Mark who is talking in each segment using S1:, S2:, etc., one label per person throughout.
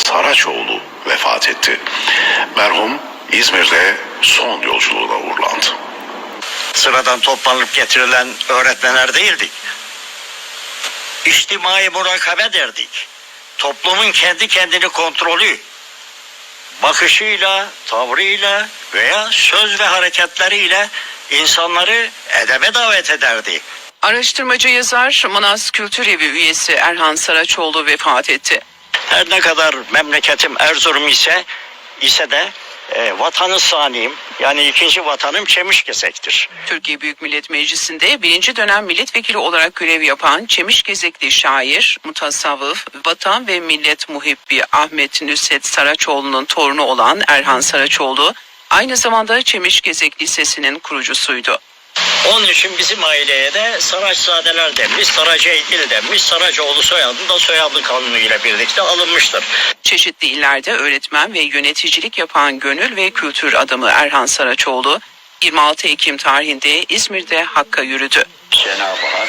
S1: Saraçoğlu vefat etti. Merhum İzmir'de son yolculuğuna uğurlandı.
S2: Sıradan toplanıp getirilen öğretmenler değildik. İçtimai murakabe derdik. Toplumun kendi kendini kontrolü, bakışıyla, tavrıyla veya söz ve hareketleriyle insanları edebe davet ederdi.
S3: Araştırmacı yazar, Manas Kültür Evi üyesi Erhan Saraçoğlu vefat etti.
S2: Her ne kadar memleketim Erzurum ise de vatanı saniyim, yani ikinci vatanım Çemişgesek'tir.
S3: Türkiye Büyük Millet Meclisi'nde 1. dönem milletvekili olarak görev yapan Çemişgezekli şair, mutasavvıf, vatan ve millet muhibbi Ahmet Nusret Saraçoğlu'nun torunu olan Erhan Saraçoğlu, aynı zamanda Çemişgezek Lisesi'nin kurucusuydu.
S2: Onun için bizim aileye de Saraçzadeler denmiş, Saraceygil denmiş, Saracoğlu soyadı da soyadı kanunu ile birlikte alınmıştır.
S3: Çeşitli illerde öğretmen ve yöneticilik yapan gönül ve kültür adamı Erhan Saraçoğlu, 26 Ekim tarihinde İzmir'de Hakk'a yürüdü.
S2: Cenab-ı Hak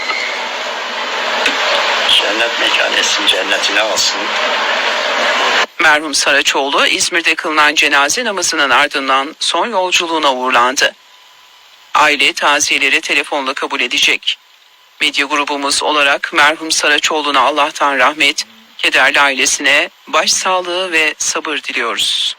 S2: cennet mekan etsin, cennetine alsın.
S3: Merhum Saraçoğlu, İzmir'de kılınan cenaze namazının ardından son yolculuğuna uğurlandı. Aile taziyeleri telefonla kabul edecek. Medya grubumuz olarak merhum Saraçoğlu'na Allah'tan rahmet, kederli ailesine başsağlığı ve sabır diliyoruz.